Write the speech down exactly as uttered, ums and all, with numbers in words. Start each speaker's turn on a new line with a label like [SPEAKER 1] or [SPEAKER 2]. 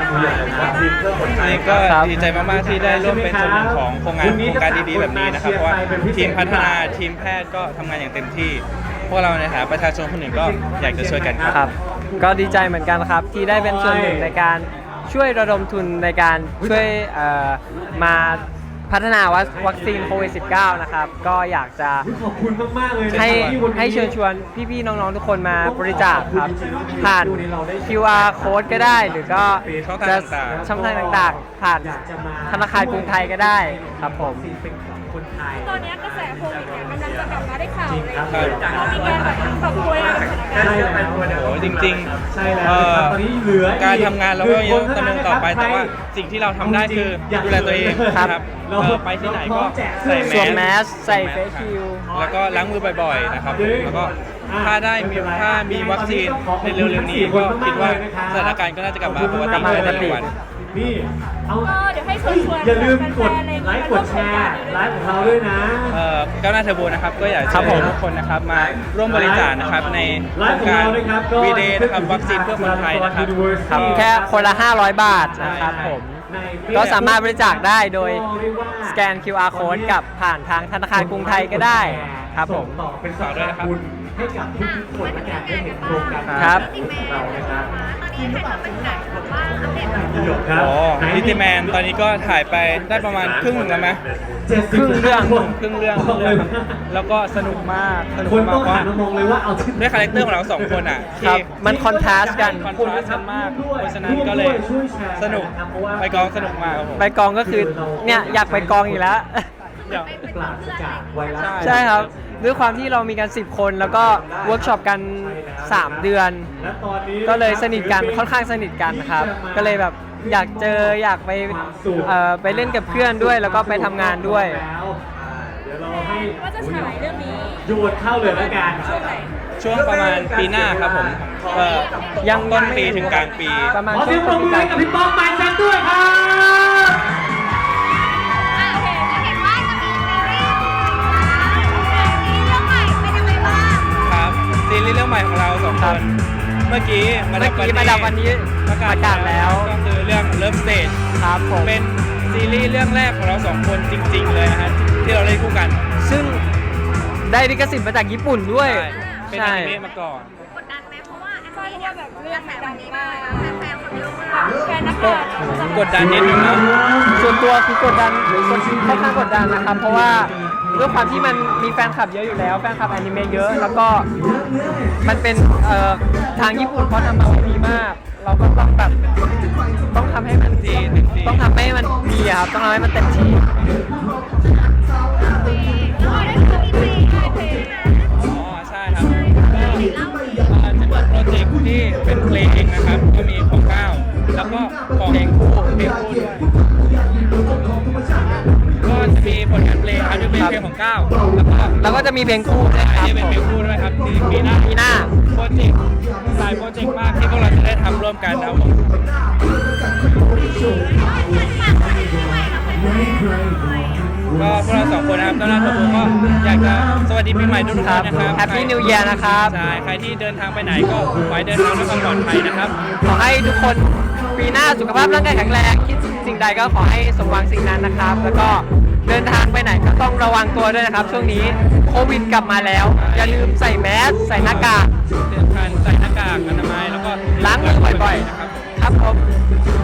[SPEAKER 1] นี่ก็ดีใจมากๆที่ได้ร่วมเป็นส่วนหนึ่งของโครงงานโครงการดีๆแบบนี้นะครับเพราะว่าทีมพัฒนาทีมแพทย์ก็ทำงานอย่างเต็มที่พวกเราในฐานะประชาชนคนหนึ่งก็อยากจะช่วยกันครับ
[SPEAKER 2] ก็ดีใจเหมือนกันครับที่ได้เป็นส่วนหนึ่งในการช่วยระดมทุนในการช่วยมาพัฒนาวัคซีนโควิด สิบเก้า นะครับก็อยากจะ
[SPEAKER 3] ขอบคุณมากๆเลย
[SPEAKER 2] ให้ให้เชิญชวนพี่ๆน้องๆทุกคนมาบริจาคครับผ่าน คิว อาร์ Code ก็ได้หรือก็จะช่องทางต่างๆผ่านธนาคารกรุงไทยก็ได้ครับผม
[SPEAKER 4] ตอนนี้กระแสโควิดเนี่ยกำลังจะกลับมาได้ข่าวเลยเรามีการแบบปรับตัวยังไงกับสถานการณ์
[SPEAKER 1] โอ้จริงๆ
[SPEAKER 3] ใช่แล้วตอนนี้เหลือ
[SPEAKER 1] การทำงานเราก็ยังดำเนินต่อไปแต่ว่าสิ่งที่เราทำได้คือดูแลตัวเองครับไปที่ไหนก็ใส่แมส
[SPEAKER 2] แมสใส่เฟซชิล
[SPEAKER 1] แล้วก็ล้างมือบ่อยๆนะครับแล้วก็ถ้าได้มีถ้ามีวัคซีนในเร็วๆนี้ก็คิดว่าสถานการณ์ก็น่าจะกลับมาปกติในเร็ววัน
[SPEAKER 3] นี่เอา
[SPEAKER 4] เดี๋ยวให้ชวนชวน
[SPEAKER 3] อย่าลืมกดไลค์กดแชร์ไลฟ์ของเราด้วยนะ
[SPEAKER 1] เอ่อก้าวหน้าเทอร์โบนะครับก็อยากเชิญทุกคนนะครับมาร่วมบริจาคนะครับในโครงการวีเดย์นะครับวัคซีนเพื่อคนไทยนะครับ
[SPEAKER 2] แค่คนละห้าร้อยบาทนะครับผมก็สามารถบริจาคได้โดยสแกน คิว อาร์ Code กับผ่านทางธนาคารกรุงไทยก็ได้ครับผม
[SPEAKER 3] ต่อเป็นฝากด้วยนะครับให้กับทุกๆคนและการได้เห็นโครงการ
[SPEAKER 2] ครับ
[SPEAKER 3] เรานะครับ
[SPEAKER 4] ตอนนี้ให้เราเป็นไหนแบบว่าอัปเดต
[SPEAKER 1] โอ้ลิติแมนตอนนี้ก็ถ่ายไปได้ประมาณครึ่งหนึ่งแล้วไหม
[SPEAKER 2] ครึ่งเรื่อง
[SPEAKER 1] ครึ่งเรื่องแล้วก็สนุกมากสนุกมากว่าด้วยคาแรคเตอร์ของเราสองคนอ่ะที่
[SPEAKER 2] มันคอนทราสต์กัน
[SPEAKER 1] คอนทราสต์กันมากเพราะฉะนั้นก็เลยสนุกไปกองสนุกมาก
[SPEAKER 2] ไปกองก็คือเนี่ยอยากไปกองอีกแล้วใช่ครับด้วยความที่เรามีกันสิบคนแล้วก็เวิร์กช็อปกันสามเดือนก็เลยสนิทกันค่อนข้างสนิทกันครับก็เลยแบบอยากเจออยากไปเอ่อไปเล่นกับเพื่อนด้วยแล้วก็ไปทำงานด้วย
[SPEAKER 4] ว่าจะฉายเรื่องนี้
[SPEAKER 3] โยนเข้าเลยแล้วกัน
[SPEAKER 1] ช่วงประมาณปีหน้าครับผมยังต้นปีถึงกลางปี
[SPEAKER 2] ประมาณ
[SPEAKER 3] ขอเสียงปรบมือให้กับพี่ป้องไมค์แซมด้วยครับ
[SPEAKER 1] ซีรีส์เรื่องใหม่ของเราสองคนเมื่อกี้
[SPEAKER 2] มาดับวันนี้มาดับวันนี้ประกาศแล้ว
[SPEAKER 1] ก็คือเรื่อง Love Stage
[SPEAKER 2] ครับผม
[SPEAKER 1] เป็นซีรีส์เรื่องแรกของเราสองคนจริงๆเลยนะฮะที่เราเล่นคู่กัน
[SPEAKER 2] ซึ่งได้ลิขสิทธิ์มาจากญี่ปุ่นด้วย
[SPEAKER 1] เป็นอนิเมะมาก่อน
[SPEAKER 4] กดดันไหมเพราะว่าอันนี้เนี่ยแบบเรื่องแบบนี้มาแฟนคนเยอะมากแฟนนักข่าว
[SPEAKER 1] กดดันนิดนึงนะ
[SPEAKER 2] ส่วนตัวคือกดดันค่อนข้างกดดันนะครับเพราะว่าด้วยความที่มันมีแฟนคลับเยอะอยู่แล้วแฟนคลับอนิเมะเยอะแล้วก็มันเป็นทางญี่ปุ่นเขาทำมาไว้ดีมากเราก็ต้องแบบต้องทำให้มันดีต้องทำให้มันดีครับต้องทำให้มันเต็มที่
[SPEAKER 1] อ๋อใช่ครับก็จะมีโปรเจกต์ที่เป็นเพลงนะครับก็มีของก้าวแล้วก็ของเพลงคู่เพลงคู่ด้วยก็จะมีผลงานเพลงครับจะเป็นเพลงของก้าวแล้วก็
[SPEAKER 2] แล้วก็จะมีเพลงคู่ด้วยครับ
[SPEAKER 1] เป็นเพลงคู่ด้วยครับที่ปีหน้า
[SPEAKER 2] ปีหน้า
[SPEAKER 1] โปรเจกต์หลายโปรเจกต์มากที่พวกเราจะได้ทำร่วมกันนะครับผมก็พวกเราสองคนนะครับต้อนรับทุกคนก็อยากจะสวัสดีปีใหม่ทุกท่านนะครับ
[SPEAKER 2] แฮปปี้นิวเยียร์นะครับ
[SPEAKER 1] ใช่ใครที่เดินทางไปไหนก็ขอให้เดินทางด้วยความปลอดภัยนะครับ
[SPEAKER 2] ขอให้ทุกคนปีหน้าสุขภาพร่างกายแข็งแรงคิดสิ่งใดก็ขอให้สมหวังสิ่งนั้นนะครับแล้วก็เดินทางไปไหนก็ต้องระวังตัวด้วยนะครับช่วงนี้โควิดกลับมาแล้วอย่าลืมใส่แมสใส่หน้ากาก
[SPEAKER 1] เดินทางใส่หน้ากากอนามัยแล้วก็
[SPEAKER 2] ล้างมือบ่อยๆนะครับครับผม